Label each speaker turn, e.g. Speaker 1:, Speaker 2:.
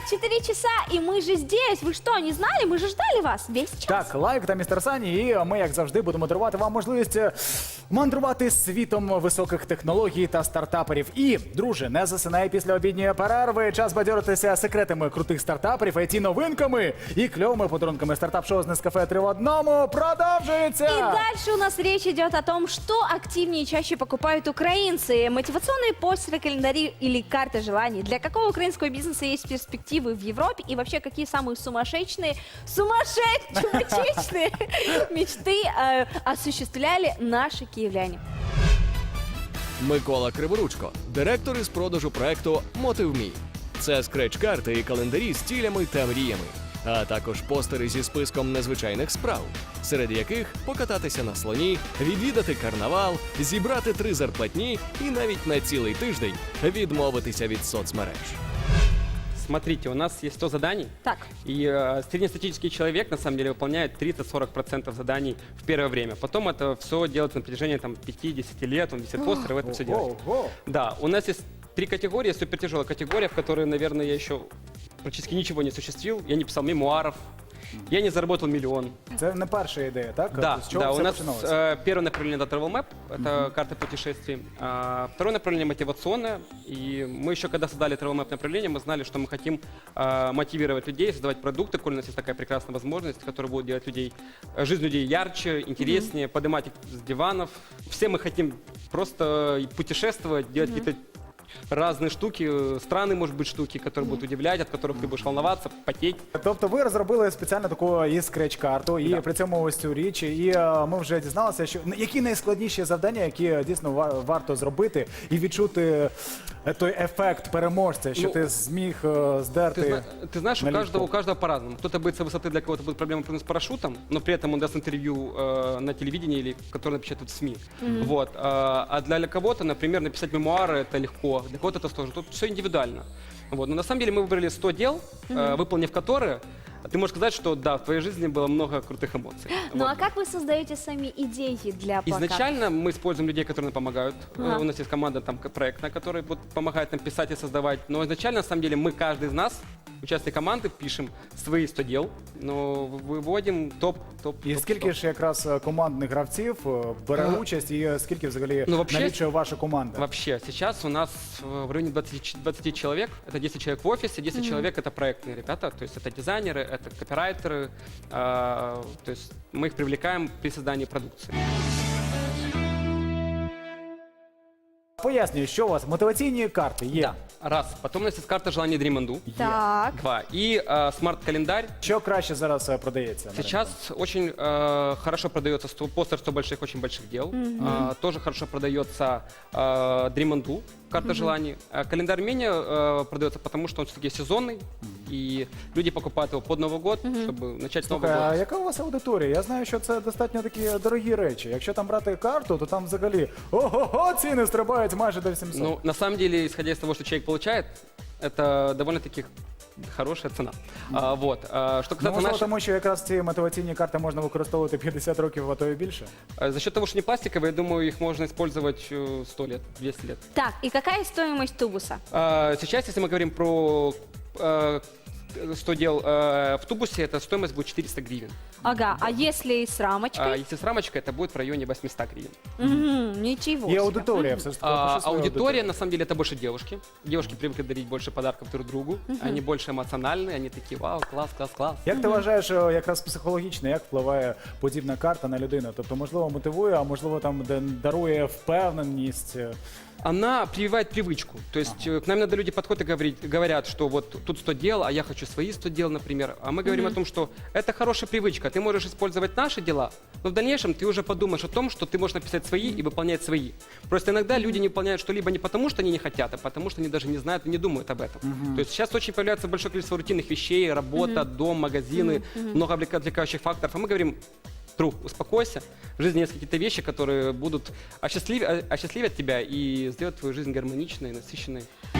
Speaker 1: 4 часа, и мы же здесь. Вы что, не знали? Мы же ждали вас весь час.
Speaker 2: Так, Лайк та містер Сані, і ми, як завжди, будемо дарувати вам можливість мандрувати світом високих технологій та стартаперів. І, друже, не засинай після обідньої перерви. Час бадьоритися секретами крутих стартаперів, IT-новинками і кльовими подарунками. Стартап-шоу з Нескафе 3 в одному продовжується!
Speaker 1: И дальше у нас речь идет о том, что активнее и чаще покупают украинцы. Мотивационные постеры, календари или карты желаний. Для какого украинского бизнеса есть перспективы в Европе? И вообще, какие самые сумасшедшие мечты осуществляли наши киевляне?
Speaker 3: Микола Криворучко, директор із продажу проекту «Мотив.Мі». Це скреч-карти і календарі з цілями та мріями, а також постери зі списком незвичайних справ, серед яких покататися на слоні, відвідати карнавал, зібрати 3 зарплатні і навіть на цілий тиждень відмовитися від соцмереж.
Speaker 4: Смотрите, у нас есть 100 заданий,
Speaker 1: Так.
Speaker 4: и среднестатистический человек на самом деле выполняет 30-40% заданий в первое время. Потом это все делается на протяжении 5-10 лет, он висит постеры, это все делает.
Speaker 2: Ого!
Speaker 4: Да, у нас есть 3 категории, супертяжелая категория, в которой, наверное, я еще практически ничего не осуществил. Я не писал мемуаров, я не заработал миллион.
Speaker 2: Це не перша ідея, так?
Speaker 4: Да,
Speaker 2: З чого
Speaker 4: да,
Speaker 2: все
Speaker 4: у нас
Speaker 2: починалося?
Speaker 4: первое направление это Travel Map, это карта путешествий. Второе направление мотивационное. И мы еще когда создали Travel Map направление, мы знали, что мы хотим мотивировать людей, создавать продукты, коль у нас есть такая прекрасная возможность, которая будет делать людей, жизнь людей ярче, интереснее, поднимать их с диванов. Все мы хотим просто путешествовать, делать какие-то разные штуки, странные, может быть, штуки, которые будут удивлять, от которых ты будешь волноваться, потеть.
Speaker 2: Тобто ви розробили спеціально таку і скреч-карту, і
Speaker 4: Да.
Speaker 2: при цьому ось цю річ, і ми вже дізналися, що які найскладніші завдання, які дійсно варто зробити, і відчути той ефект переможця, що
Speaker 4: Ну,
Speaker 2: ти зміг здерти.
Speaker 4: Ты знаешь, у
Speaker 2: налегко.
Speaker 4: каждого по-разному. Кто-то боится высоты, для кого-то будет проблема прыгнуть с парашютом, но при этом он даст интервью на телевидении или которое напечатают в СМИ. Вот. А для кого-то, например, написать мемуары это легко, для кого-то это сложно. Тут все индивидуально. Вот. Но на самом деле мы выбрали 100 дел, выполнив которые, ты можешь сказать, что да, в твоей жизни было много крутых эмоций.
Speaker 1: Ну
Speaker 4: Вот.
Speaker 1: а как вы создаете сами идеи для плакатов?
Speaker 4: Изначально мы используем людей, которые нам помогают.
Speaker 1: Ага.
Speaker 4: У нас есть команда там проектная, которая вот, помогает нам писать и создавать. Но изначально, на самом деле, мы, каждый из нас, участник команды, пишем свои 100 дел, но выводим топ.
Speaker 2: І скільки ж якраз командних гравців бере участь, і скільки взагалі
Speaker 4: Ну, вообще-
Speaker 2: налічує ваша команда?
Speaker 4: Вообще, сейчас у нас в районе 20 человек. Это 10 человек в офисе, 10 человек это проектные ребята, то есть это дизайнеры, это копирайтеры. То есть мы их привлекаем при создании продукции.
Speaker 2: Пояснюю, що у вас мотиваційні карти є.
Speaker 4: Раз. Потом у нас есть карта желаний Dreamandu.
Speaker 1: Так.
Speaker 4: 2. И смарт-календарь.
Speaker 2: Що краще зараз продається? на
Speaker 4: Сейчас очень хорошо продается постер 100 больших, очень больших дел. Тоже хорошо продается Dreamandu, карта желаний. Календарь менее продается, потому что он все-таки сезонный. И люди покупают его под Новый год, чтобы начать с Нового
Speaker 2: Слухай, а
Speaker 4: года.
Speaker 2: яка у вас аудиторія? Я знаю, що це достатньо такі дорогі речі. Якщо там брати карту, то там взагалі ого-го, ціни стрибають майже до 700.
Speaker 4: Ну, на самом деле, исходя из того, что человек получает, это довольно-таки хорошая цена. Вот. Что
Speaker 2: Ну,
Speaker 4: касается
Speaker 2: можливо,
Speaker 4: наших...
Speaker 2: тому що якраз ці мотиваційні карти можна використовувати 50 років, а то і більше.
Speaker 4: За счет того, что не пластиковые, я думаю, их можно использовать 100 лет, 200 лет.
Speaker 1: Так, и какая стоимость тубуса?
Speaker 4: Сейчас, если мы говорим про 100 дел в тубусе, это стоимость будет 400 гривен.
Speaker 1: Ага, а если с рамочкой?
Speaker 4: Если с рамочкой, это будет в районе 800 гривен.
Speaker 1: Ничего
Speaker 2: Є
Speaker 1: себе.
Speaker 2: аудиторія, все ж таки. опиши свою
Speaker 4: Аудитория, на самом деле, это больше девушки. Девушки привыкли дарить больше подарков друг другу. Они больше эмоциональные, они такие, вау, класс, класс, класс.
Speaker 2: Як ти вважаєш, якраз психологічно, як впливає подібна карта на людину? Тобто, можливо, мотивує, а можливо, там дарує впевненість.
Speaker 4: Она прививает привычку. То есть к нам иногда люди подходят и говорят, что вот тут 100 дел, а я хочу свои 100 дел, например. А мы говорим о том, что это хорошая привычка. Ты можешь использовать наши дела, но в дальнейшем ты уже подумаешь о том, что ты можешь написать свои и выполнять свои. Просто иногда люди не выполняют что-либо не потому, что они не хотят, а потому, что они даже не знают и не думают об этом. То есть сейчас очень появляется большое количество рутинных вещей, работа, дом, магазины, много отвлекающих факторов. А мы говорим, успокойся. В жизни есть какие-то вещи, которые будут осчастливят тебя и сделать твою жизнь гармоничной, насыщенной.